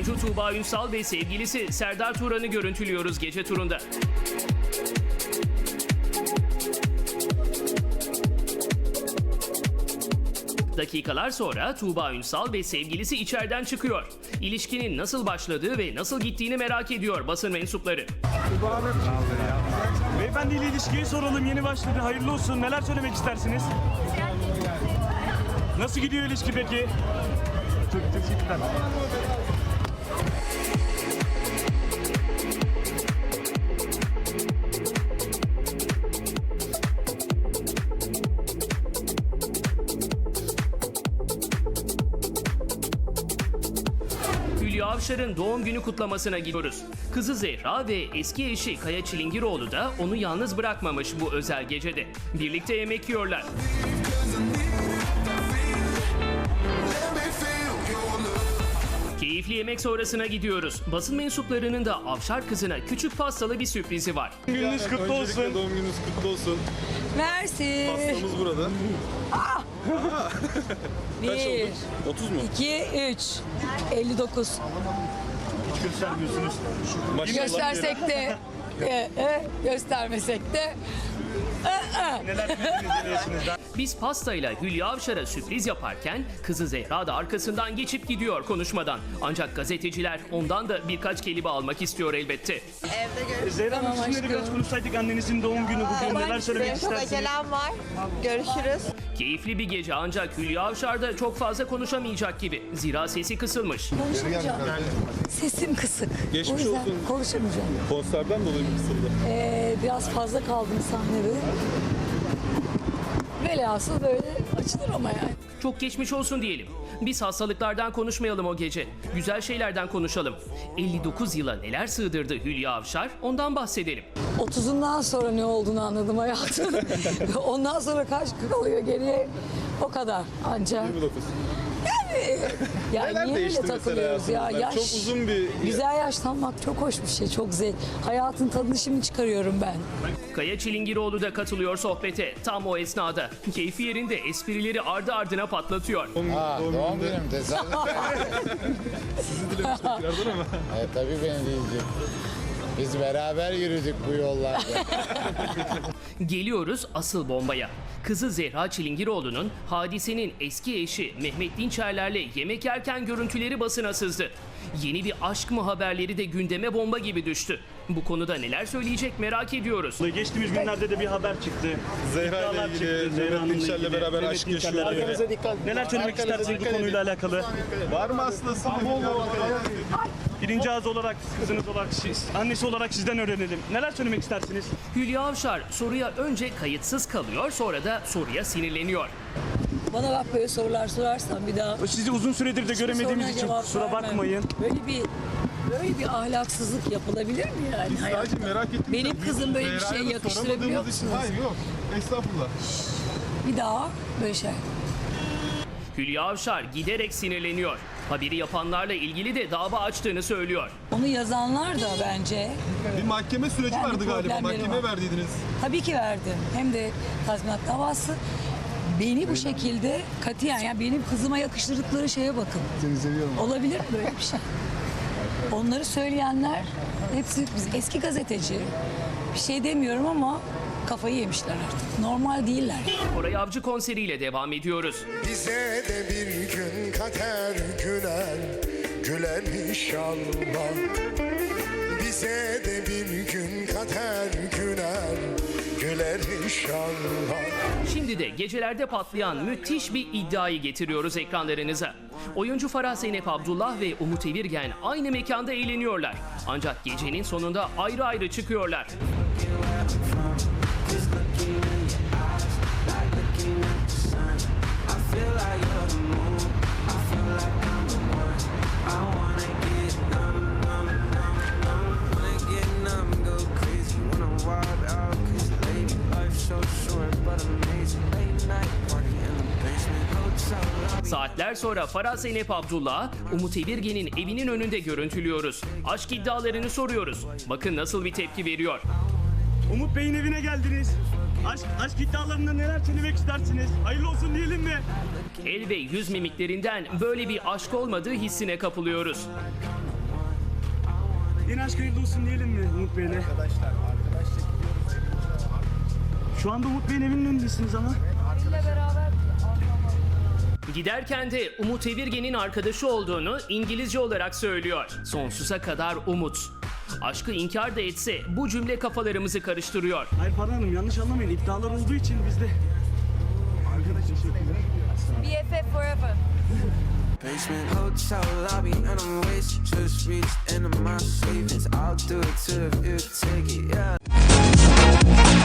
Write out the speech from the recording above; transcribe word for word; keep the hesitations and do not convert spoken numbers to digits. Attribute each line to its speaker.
Speaker 1: Oyuncu Tuğba Ünsal ve sevgilisi Serdar Turan'ı görüntülüyoruz gece turunda. Dakikalar sonra Tuğba Ünsal ve sevgilisi içeriden çıkıyor. İlişkinin nasıl başladığı ve nasıl gittiğini merak ediyor basın mensupları.
Speaker 2: Beyefendi ile ilişkiyi soralım. Yeni başladı. Hayırlı olsun. Neler söylemek istersiniz? Nasıl gidiyor ilişki peki? Çok teşekkürler.
Speaker 1: Hülya Avşar'ın doğum günü kutlamasına gidiyoruz. Kızı Zehra ve eski eşi Kaya Çilingiroğlu da onu yalnız bırakmamış bu özel gecede. Birlikte yemek yiyorlar. Keyifli yemek sonrasına gidiyoruz. Basın mensuplarının da Avşar kızına küçük pastalı bir sürprizi var.
Speaker 2: Gününüz kutlu olsun.
Speaker 3: Öncelikle doğum gününüz kutlu olsun.
Speaker 4: Mersi.
Speaker 3: Pastamız burada. Kaç
Speaker 4: Bir,
Speaker 3: oldu? otuz mu?
Speaker 4: iki, üç. elli dokuz.
Speaker 2: Hiç göstermiyorsunuz.
Speaker 3: Maşallah.
Speaker 4: Göstersek de, e, e, göstermesek de. E, e.
Speaker 2: Neler bildiniz yeni yaşınızda?
Speaker 1: Biz pastayla Hülya Avşar'a sürpriz yaparken kızı Zehra da arkasından geçip gidiyor konuşmadan. Ancak gazeteciler ondan da birkaç kelime almak istiyor elbette.
Speaker 2: Zehra Hanım,
Speaker 4: Tamam
Speaker 2: sizinle de biraz
Speaker 4: aşkım.
Speaker 2: konuşsaydık, annenizin doğum günü bugün. Neler söylemek
Speaker 5: Çok
Speaker 2: istersiniz?
Speaker 5: acelem var. Görüşürüz.
Speaker 1: Keyifli bir gece ancak Hülya Avşar da çok fazla konuşamayacak gibi. Zira sesi kısılmış.
Speaker 4: Konuşamayacağım. Sesim kısık.
Speaker 3: Geçmiş
Speaker 4: o yüzden
Speaker 3: olsun.
Speaker 4: konuşamayacağım.
Speaker 3: Konserden dolayı mı kısıldı?
Speaker 4: Ee, biraz fazla kaldım sahnede. Velhasıl böyle açılır ama yani.
Speaker 1: Çok geçmiş olsun diyelim. Biz hastalıklardan konuşmayalım o gece. Güzel şeylerden konuşalım. elli dokuz yıla neler sığdırdı Hülya Avşar, ondan bahsedelim.
Speaker 4: otuzundan sonra ne olduğunu anladım hayatım. Ondan sonra kaç kalıyor geriye? O kadar ancak.
Speaker 3: yirmi dokuz.
Speaker 4: Ya
Speaker 3: Neler
Speaker 4: niye öyle
Speaker 3: değişti mesela
Speaker 4: takılıyoruz ya?
Speaker 3: hayatınızda?
Speaker 4: Yaş,
Speaker 3: Çok uzun bir...
Speaker 4: Güzel yaşlanmak çok hoş bir şey, çok zevk. Hayatın tadını şimdi çıkarıyorum ben.
Speaker 1: Kaya Çilingiroğlu da katılıyor sohbete. Tam o esnada. Keyfi yerinde esprileri ardı ardına patlatıyor.
Speaker 6: Ha, doğum günüm tesadüf.
Speaker 3: Sizi dilemiştim tekrardan ama.
Speaker 6: e, tabii beni diyecek. Biz beraber yürüdük bu yollarda.
Speaker 1: Geliyoruz asıl bombaya. Kızı Zehra Çilingiroğlu'nun Hadise'nin eski eşi Mehmet Dinçerler'le yemek yerken görüntüleri basına sızdı. Yeni bir aşk mı haberleri de gündeme bomba gibi düştü. Bu konuda neler söyleyecek merak ediyoruz.
Speaker 2: Geçtiğimiz günlerde de bir haber çıktı.
Speaker 3: Zehra ile
Speaker 2: İddialar
Speaker 3: ilgili,
Speaker 2: çıktı, Zehra
Speaker 3: Mehmet
Speaker 2: Hanım'la
Speaker 3: Dinçer'le
Speaker 2: ilgili,
Speaker 3: beraber
Speaker 2: Mehmet
Speaker 3: aşk
Speaker 2: Dinçer'le
Speaker 3: yaşıyor.
Speaker 2: ilgili.
Speaker 3: Arkanıza dikkat.
Speaker 2: Neler söylemek
Speaker 3: Arkanıza
Speaker 2: istersiniz bu
Speaker 3: dikkat
Speaker 2: konuyla
Speaker 3: edin.
Speaker 2: alakalı?
Speaker 3: Var mı aslında?
Speaker 2: Birinci ağız olarak, kızınız olarak, siz, annesi olarak sizden öğrenelim. Neler söylemek istersiniz?
Speaker 1: Hülya Avşar soruya önce kayıtsız kalıyor, sonra da soruya sinirleniyor.
Speaker 4: Bana bak böyle sorular sorarsan bir daha.
Speaker 2: Sizi uzun süredir de göremediğimiz
Speaker 4: soruna
Speaker 2: için
Speaker 4: cevap
Speaker 2: kusura
Speaker 4: vermem.
Speaker 2: bakmayın.
Speaker 4: Böyle bir böyle bir ahlaksızlık yapılabilir mi yani?
Speaker 3: Sadece
Speaker 4: hayatta?
Speaker 3: merak ettim.
Speaker 4: Benim kızım böyle bir şey yakıştırabiliyor musunuz?
Speaker 3: Hayır yok. Estağfurullah.
Speaker 4: Bir daha böyle şey.
Speaker 1: Hülya Avşar giderek sinirleniyor. Haberi yapanlarla ilgili de dava açtığını söylüyor.
Speaker 4: Onu yazanlar da bence
Speaker 3: Bir mahkeme süreci
Speaker 4: Yani
Speaker 3: vardı galiba.
Speaker 4: problemleri
Speaker 3: Mahkemeye
Speaker 4: var.
Speaker 3: verdiydiniz.
Speaker 4: tabii ki verdim. Hem de tazminat davası. Beni bu şekilde katiyen, yani benim kızıma yakıştırdıkları şeye bakın.
Speaker 3: Seni seviyorum.
Speaker 4: Olabilir mi böyle bir şey? Onları söyleyenler hepsi biz eski gazeteci. Bir şey demiyorum ama kafayı yemişler artık. Normal değiller.
Speaker 1: Koray Avcı konseriyle devam ediyoruz.
Speaker 7: Bize de bir gün kader güler, güler inşallah. Bize de bir gün kader güler, güler inşallah.
Speaker 1: Şimdi de gecelerde patlayan müthiş bir iddiayı getiriyoruz ekranlarınıza. Oyuncu Farah Zeynep Abdullah ve Umut Evirgen aynı mekanda eğleniyorlar. Ancak gecenin sonunda ayrı ayrı çıkıyorlar. Saatler sonra Farah Zeynep Abdullah, Umut Evirgen'in evinin önünde görüntülüyoruz. Aşk iddialarını soruyoruz. Bakın nasıl bir tepki veriyor.
Speaker 2: Umut Bey'in evine geldiniz. Aşk, aşk iddialarında neler söylemek istersiniz? Hayırlı olsun diyelim mi?
Speaker 1: El ve yüz mimiklerinden böyle bir aşk olmadığı hissine kapılıyoruz.
Speaker 2: Yeni aşk hayırlı olsun diyelim mi Umut Bey'le?
Speaker 6: Arkadaşlar, arkadaşlar
Speaker 2: Şu anda Umut Bey'in evinin önündesiniz ama.
Speaker 1: Giderken de Umut Evirgen'in arkadaşı olduğunu İngilizce olarak söylüyor. Sonsuza kadar umut. Aşkı inkar da etse bu cümle kafalarımızı karıştırıyor.
Speaker 2: Hayır Farah Hanım yanlış anlamayın. İddialar olduğu için biz de...
Speaker 5: B F F forever.
Speaker 8: Basement hotel lobby and I'm wasted. Just reached into my savings. I'll do it too if you take it, yeah.